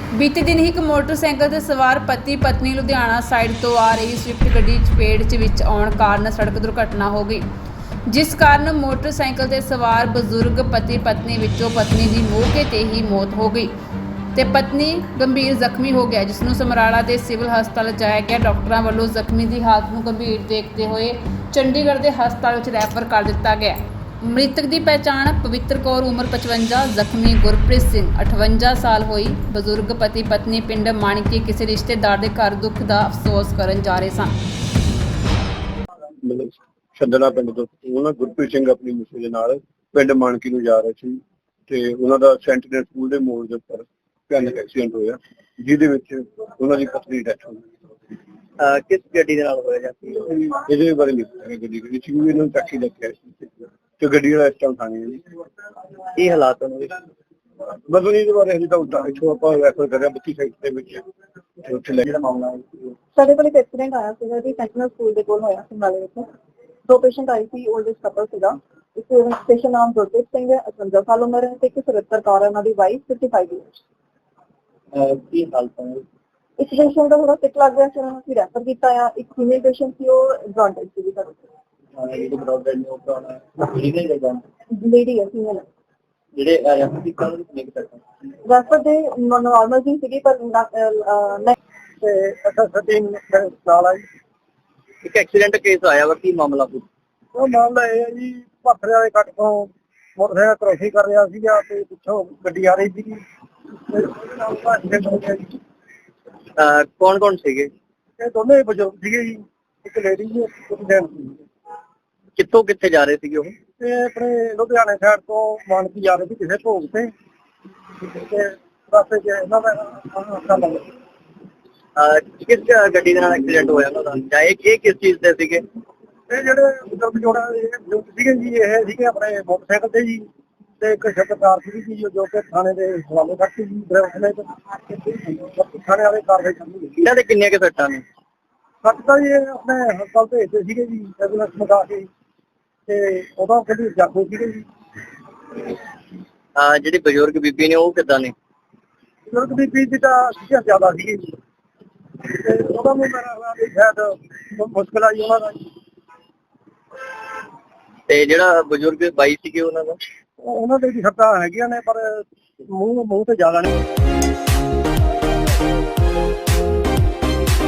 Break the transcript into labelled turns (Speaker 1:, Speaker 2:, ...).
Speaker 1: ਬੀਤੇ ਦਿਨ ਹੀ ਇੱਕ ਮੋਟਰਸਾਈਕਲ ਤੇ ਸਵਾਰ ਪਤੀ ਪਤਨੀ ਲੁਧਿਆਣਾ ਸਾਈਡ ਤੋਂ ਆ ਰਹੀ ਸਵਿਫਟ ਗੱਡੀ ਚਪੇਟ ਵਿੱਚ ਆਉਣ ਕਾਰਨ ਸੜਕ ਦੁਰਘਟਨਾ ਹੋ ਗਈ, ਜਿਸ ਕਾਰਨ ਮੋਟਰਸਾਈਕਲ ਤੇ ਸਵਾਰ ਬਜ਼ੁਰਗ ਪਤੀ ਪਤਨੀ ਵਿੱਚੋਂ ਪਤਨੀ ਦੀ ਮੌਕੇ ਤੇ ਹੀ ਮੌਤ ਹੋ ਗਈ ਤੇ ਪਤਨੀ ਗੰਭੀਰ ਜ਼ਖਮੀ ਹੋ ਗਿਆ, ਜਿਸ ਨੂੰ ਸਮਰਾਲਾ ਦੇ ਸਿਵਲ ਹਸਪਤਾਲ ਲਿਜਾਇਆ ਗਿਆ। ਡਾਕਟਰਾਂ ਵੱਲੋਂ ਜ਼ਖਮੀ ਦੀ ਹਾਲਤ ਨੂੰ ਗੰਭੀਰ ਦੇਖਦੇ ਹੋਏ ਚੰਡੀਗੜ੍ਹ ਦੇ ਹਸਪਤਾਲ ਵਿੱਚ ਰੈਫਰ ਕਰ ਦਿੱਤਾ ਗਿਆ। ਮ੍ਰਿਤਕ ਦੀ ਪਹਿਚਾਣ ਪਵਿੱਤਰ ਕੌਰ ਉਮਰ 55, ਜ਼ਖਮੀ ਗੁਰਪ੍ਰੀਤ ਸਿੰਘ 58 ਸਾਲ ਹੋਈ। ਬਜ਼ੁਰਗ ਪਤੀ ਪਤਨੀ ਪਿੰਡ ਮਾਣਕੀ ਕਿਸੇ ਰਿਸ਼ਤੇਦਾਰ ਦੇ ਘਰ ਦੁੱਖ ਦਾ ਅਫਸੋਸ ਕਰਨ ਜਾ ਰਹੇ ਸਨ।
Speaker 2: ਛੱਡਣਾ ਪਿੰਡ ਤੋਂ ਉਹਨਾਂ ਗੁਰਪ੍ਰੀਤ ਸਿੰਘ ਆਪਣੀ ਮਿਸੇ ਦੇ ਨਾਲ ਪਿੰਡ ਮਾਣਕੀ ਨੂੰ ਜਾ ਰਹੇ ਸੀ ਤੇ ਉਹਨਾਂ ਦਾ ਸੈਂਟੀਨਲ ਸਕੂਲ ਦੇ ਮੋੜ ਦੇ ਉੱਪਰ ਭਿਆਨਕ ਐਕਸੀਡੈਂਟ ਹੋਇਆ, ਜਿਹਦੇ ਵਿੱਚ ਉਹਨਾਂ ਦੀ ਪਤਨੀ ਦੀ ਡੈਥ ਹੋ ਗਈ।
Speaker 3: ਕਿਸ ਗੱਡੀ ਦੇ ਨਾਲ ਹੋਇਆ ਜਾਂਦੀ
Speaker 2: ਇਹਦੇ ਬਾਰੇ ਨਹੀਂ ਪਤਾ ਗੱਡੀ ਵਿੱਚ ਵੀ ਇਹਨਾਂ ਨੂੰ ਟੈਕਸੀ ਲੱਗਿਆ ਸੀ ਤੇ ਗੱਡੀ ਵਾਲਾ ਇਸ ਟਾਈਮ ਥਾਣੇ ਜੀ।
Speaker 3: ਕੀ ਹਾਲਾਤ ਉਹਨਾਂ ਦੇ?
Speaker 2: ਮਤਲਬ ਇਹਦੇ ਬਾਰੇ ਹਜੇ ਤਾਂ ਉੱਦਾਂ ਇੱਥੋਂ ਆਪਾਂ ਰੈਫਰ ਕਰਿਆ 32 ਸਾਈਡ ਦੇ ਵਿੱਚ ਤੇ ਉੱਥੇ ਲੈ
Speaker 3: ਜਿਹੜਾ ਮਾਮਲਾ
Speaker 4: ਸਾਡੇ ਕੋਲ ਇੱਕ ਐਕਸੀਡੈਂਟ ਆਇਆ ਸੀਗਾ ਜੀ, ਸੈਂਟੀਨਲ ਸਕੂਲ ਦੇ ਕੋਲ ਹੋਇਆ ਸਮਰਾਲੇ ਵਿੱਚ। ਦੋ ਪੇਸ਼ੈਂਟ ਆਏ ਸੀ, 올ਡ ਏਜ ਕਪਲ ਸੀਗਾ। ਇੱਕ ਪੇਸ਼ੈਂਟ ਨਾਮ ਗੁਰਪ੍ਰੀਤ ਸਿੰਘ ਹੈ, 58 ਸਾਲ ਉਮਰ ਹੈ, ਤੇ ਇੱਕ 77 ਕੌਰ ਹੈ, ਉਹਨਾਂ ਦੀ ਵਾਈਫ 55 ਇਅਰਸ।
Speaker 3: ਕੀ ਹਾਲਤ ਹੈ?
Speaker 4: ਇੱਕ ਪੇਸ਼ੈਂਟ ਦਾ ਥੋੜਾ ਸਿਕ ਲੱਗ ਰਿਹਾ ਸੀ, ਉਹਨਾਂ ਨੂੰ ਅਸੀਂ ਰੈਫਰ ਕੀਤਾ ਆ। ਇੱਕ ਫੀਮੇਲ ਪੇਸ਼ੈਂਟ ਸੀ, ਉਹ ਜੌਂਡਿਸ ਸੀ ਸਾਡੇ
Speaker 3: ਜਿਹੜੇ ਬਰੋਡਰ ਨੇ ਉਹ ਕਰਾਉਣਾ ਲੀਗਲ ਜਗ੍ਹਾ
Speaker 4: ਲੇਡੀ ਹੈ, ਫੀਮੇਲ।
Speaker 3: ਜਿਹੜੇ ਰੈਫਰ ਕੀਤਾ ਉਹਨੂੰ ਕਿੰਨੇ ਕੁ ਤੱਕ
Speaker 4: ਰੈਫਰ ਦੇ ਨਾਰਮਲ ਜੀ ਸੀਗੀ, ਪਰ
Speaker 2: ਤੇ ਅੱਛਾ ਸਟੀਨ ਨਾਲ ਆਈ।
Speaker 3: ਇੱਕ ਐਕਸੀਡੈਂਟ ਕੇਸ ਆਇਆ ਵਾ, ਕੀ ਮਾਮਲਾ ਕੁਝ?
Speaker 2: ਉਹ ਮਾਮਲਾ ਇਹ ਹੈ ਜੀ, ਭਾਖੜੇ ਵਾਲੇ ਕੱਟ ਤੋਂ ਮੋਟਰਸਾਈਕਲ ਕ੍ਰੋਸਿੰਗ ਕਰ ਰਿਹਾ ਸੀਗਾ ਤੇ ਪਿੱਛੋਂ ਗੱਡੀ ਆ ਰਹੀ ਸੀਗੀ।
Speaker 3: ਕੌਣ ਕੌਣ ਸੀਗੇ?
Speaker 2: ਇਹ ਦੋਨੇ ਬਜ਼ੁਰਗ ਸੀਗੇ ਜੀ, ਇੱਕ ਲੇਡੀ ਜੀ ਇੱਕ ਜੈਂਟ ਸੀ।
Speaker 3: ਕਿੱਥੋਂ ਕਿੱਥੇ ਜਾ ਰਹੇ ਸੀਗੇ ਉਹ?
Speaker 2: ਤੇ ਆਪਣੇ ਲੁਧਿਆਣੇ ਸਾਈਡ ਤੋਂ ਮਾਨਕੀ ਜਾ ਰਹੇ ਸੀ ਕਿਸੇ ਭੋਗ ਤੇ ਰਸਤੇ 'ਚ ਇਹਨਾਂ ਦਾ ਹਾਦਸਾ ਲੱਗ ਗਿਆ।
Speaker 3: ਕਿਸ ਗੱਡੀ ਦੇ ਨਾਲ ਐਕਸੀਡੈਂਟ ਹੋਇਆ ਉਹਨਾਂ ਦਾ? ਜਾਂ ਇਹ ਕਿਸ ਚੀਜ਼ ਤੇ ਸੀਗੇ?
Speaker 2: ਇਹ ਜਿਹੜੇ ਬਜ਼ੁਰਗ ਜੋੜਾ ਬਜ਼ੁਰਗ ਸੀਗੇ ਜੀ, ਇਹ ਸੀਗੇ ਆਪਣੇ ਮੋਟਰਸਾਈਕਲ ਤੇ ਜੀ, ਤੇ ਇੱਕ ਸ਼ਬਦਕਾਰ ਸੀਗੀ ਜੀ ਜੋ ਕਿ ਥਾਣੇ ਦੇ ਹਵਾਲੇ ਕਰਤੀ ਜੀ ਡਰਾਈਵਰ ਨੇ। ਥਾਣੇ ਵਾਲੇ ਕਾਰਵਾਈ ਕਰਨੀ।
Speaker 3: ਇਹਨਾਂ ਦੇ ਕਿੰਨੀਆਂ ਕੁ ਸੱਟਾਂ ਨੇ?
Speaker 2: ਸੱਟ ਤਾਂ ਜੀ ਆਪਣੇ ਹਸਪਤਾਲ ਭੇਜਦੇ ਸੀਗੇ ਜੀ ਐਂਬੂਲੈਂਸ ਮੰਗਾ ਕੇ, ਤੇ ਉਦੋਂ ਕਿਹੜੀ ਜਾਗੋ ਸੀਗੇ ਜੀ।
Speaker 3: ਜਿਹੜੀ ਬਜ਼ੁਰਗ ਬੀਬੀ ਨੇ ਉਹ ਕਿੱਦਾਂ ਨੇ?
Speaker 2: ਬਜ਼ੁਰਗ ਬੀਬੀ ਦੀ ਤਾਂ ਸੀਗਾ ਜ਼ਿਆਦਾ ਸੀਗੀ ਜੀ, ਤੇ ਉਹਦਾ ਨੂੰ ਮੇਰਾ ਖਿਆਲ ਸ਼ਾਇਦ ਮੁਸ਼ਕਿਲ ਆਈ ਉਹਨਾਂ ਦਾ।
Speaker 3: ਤੇ ਜਿਹੜਾ ਬਜ਼ੁਰਗ ਬਾਈ ਸੀਗੇ ਉਹਨਾਂ ਦਾ?
Speaker 2: ਉਹਨਾਂ ਦੇ ਵੀ ਸੱਟਾਂ ਹੈਗੀਆਂ ਨੇ, ਪਰ ਮੂੰਹ ਤੇ ਜ਼ਿਆਦਾ ਨਹੀਂ।